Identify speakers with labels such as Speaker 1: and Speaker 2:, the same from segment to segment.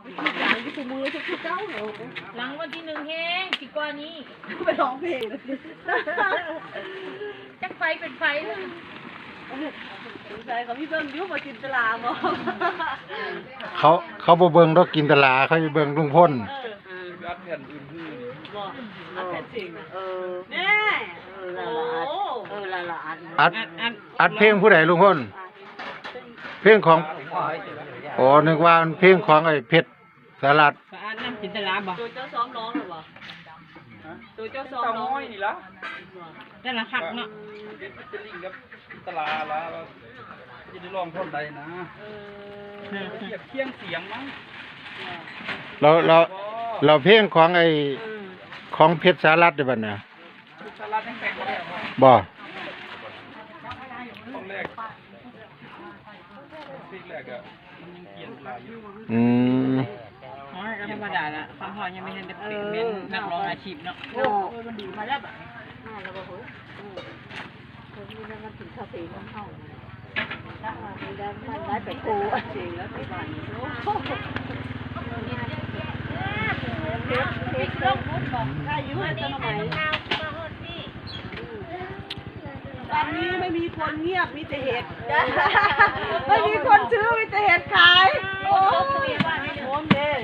Speaker 1: หลังที่กูมือชุดเจ้าเหรอ
Speaker 2: หลังวันที่1แห้งสิกว่านี้
Speaker 1: ไปร้องเพลงเลย
Speaker 2: จักไฟเป็นไฟเลย
Speaker 1: ใช่เขาพี่เบิ้งยุ่งมาจินตลาบ่
Speaker 3: เขาบ่เบิ่งดอกกินตลาเขาสิเบิ่งลุงพ่น
Speaker 4: อัดแผ่นอื่นคือ
Speaker 1: บ่อัดแผ่นจริงแน่
Speaker 3: อัดเพลงผู้ใดลุงพ่นเพลงของอ๋อนึกว่าเพลงของไอ้เพชรสารัต
Speaker 2: อันน้ำจินตลาบ่
Speaker 1: ตัวเจ้าซ้อมร้องหรือบ่ตัวเจ้าซ้อมร้อง
Speaker 4: นี่ละ
Speaker 2: แต่ละคักเนาะ
Speaker 4: จะลิงกับตลาละจะได้ร้องท่อนใดนะเคียงเสียงมั้ง
Speaker 3: เราเพลงของไอ้ของเพชรสารัตได้บัดน่ะ
Speaker 4: สารัตแต่งมาแล้ว
Speaker 3: บ่
Speaker 4: ตอนแรกซีกแรกอะมันยังเปลี่ยนเวลาอยู่
Speaker 2: อ๋อก็ธรรมดาละคำพอยังไม่ทันได้เป็นนักร้องอาชีพเนาะ
Speaker 1: มันดีมาแล้วแล้วก็เฮ้ยมันถึงคาเฟ่มันเข้ามันได้ไปโคจริงแล้วที่บ้านเฮ็ดลงมุดบอกถ้าอยู่ให้ต้นไม้ตอนนี้ไม่มีคนเงียบมีแต่เห็ดไม่มีคนซื้อมีแต่เห็ดขายโอ้ยโอ้ยเย่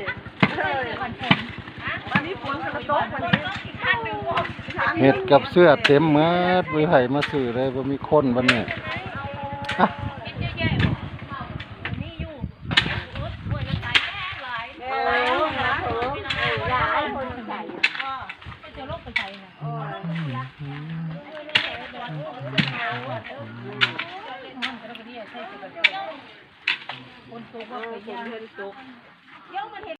Speaker 1: วันนี้ฝนกระตกวันนี้
Speaker 3: เฮ็ดกับเสื้อเต็มหมดบ่ไผมาซื้อเลยบ่มีคนบัดนี้
Speaker 2: คนตกว่าไปย่าง